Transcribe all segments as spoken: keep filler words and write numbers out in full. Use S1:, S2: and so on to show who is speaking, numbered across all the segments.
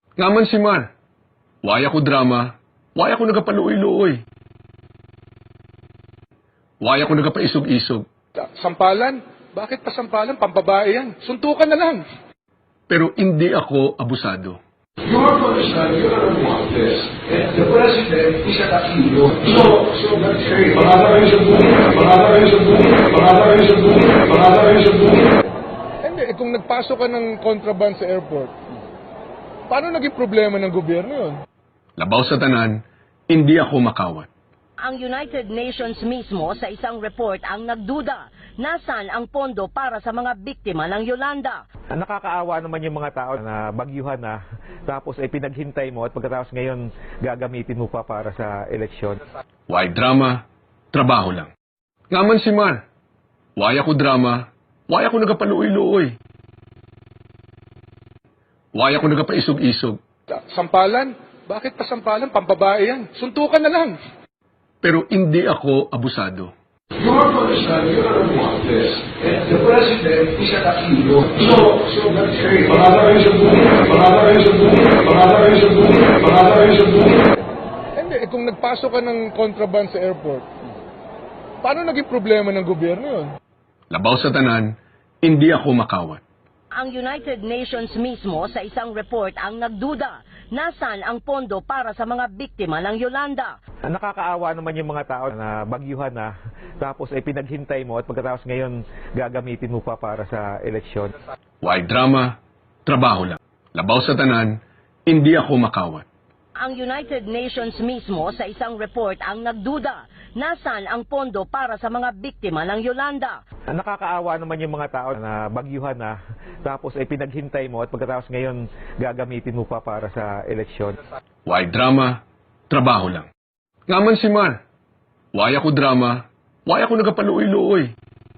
S1: Ngaman si Mar. Waya ko drama. Waya ko nagapaluoy-luoy. Waya ko nagapaisog-isog.
S2: Sampalan? Bakit pa sampalan? Pambabae yan. Suntukan na lang.
S1: Pero hindi ako abusado.
S3: You have to understand, you are want this. And the president is at Aquino. So, so that's great. Pangalan kayo sa buhay. Pangalan kayo sa buhay. Pangalan kayo sa buhay. Pangalan kayo sa buhay.
S2: Hindi, eh, kung nagpasok ka ng contraband sa airport, paano naging problema ng gobyerno yun?
S1: Labaw sa tanan, hindi ako makawat.
S4: Ang United Nations mismo sa isang report ang nagduda nasan ang pondo para sa mga biktima ng Yolanda.
S5: Nakakaawa naman yung mga tao na bagyuhan na tapos ay pinaghintay mo at pagkatapos ngayon gagamitin mo pa para sa eleksyon.
S1: Why drama, trabaho lang. Ngaman si Mar. Waya ko drama, waya ko nagapaluoy-luoy. Waya ko nagapaisog-isog.
S2: Sampalan? Bakit pa sampalan? Pambabae yan. Suntukan na lang.
S1: Pero hindi ako abusado.
S3: You have to understand, you are want this. And the president is at Aquino. So, so that's great. Pangalan kayo sa buhay. Pangalan kayo sa buhay. Pangalan kayo sa buhay. Pangalan kayo sa buhay.
S2: Hindi, eh, kung nagpasok ka ng contraband sa airport, paano naging problema ng gobyerno yun?
S1: Labaw sa tanan, hindi ako makawat.
S4: Ang United Nations mismo sa isang report ang nagduda nasan ang pondo para sa mga biktima ng Yolanda.
S5: Nakakaawa naman yung mga tao na bagyuhan na tapos ay pinaghintay mo at pagkatapos ngayon gagamitin mo pa para sa eleksyon.
S1: Why drama, trabaho lang. Labaw sa tanan, hindi ako makawat.
S4: Ang United Nations mismo sa isang report ang nagduda nasan ang pondo para sa mga biktima ng Yolanda.
S5: Nakakaawa naman yung mga tao na bagyuhan na tapos ay pinaghintay mo at pagkatapos ngayon gagamitin mo pa para sa eleksyon.
S1: Why drama, trabaho lang. Ngaman si Mar. Waya ko drama, waya ko nagapaluoy-luoy.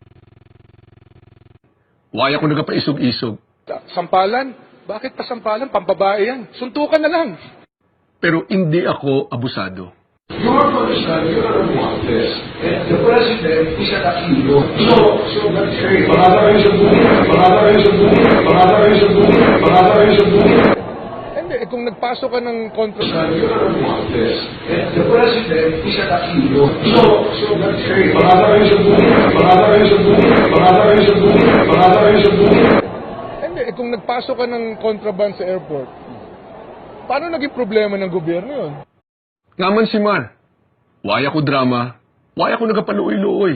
S1: Waya ko nagapaisog-isog.
S2: Sampalan? Bakit pa sampalan? Pambabae yan. Suntukan na lang.
S1: Pero hindi ako abusado.
S3: You have to understand, you are want this. And the president is at Aquino. So, so that's great. Pangalan kayo sa buhay. Pangalan kayo sa buhay. Pangalan kayo sa buhay. Pangalan kayo sa buhay.
S2: Hindi, eh, kung nagpasok ka ng contraband,
S3: You are want this. And the president is at Aquino. So, so that's great. Pangalan kayo sa buhay. Pangalan kayo sa buhay. Pangalan kayo sa buhay. Pangalan kayo sa buhay.
S2: hindi, eh, kung nagpasok ka ng contraband sa airport, paano naging problema ng gobyerno yun?
S1: Ngaman si Mar. Waya ko drama, waya ko nagapaluoy-luoy.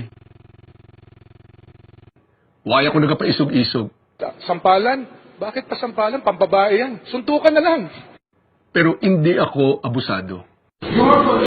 S1: Waya ko nagapaisog-isog.
S2: Sampalan? Bakit pa sampalan? Pambabae yan. Suntukan na lang.
S1: Pero hindi ako abusado.
S3: You have to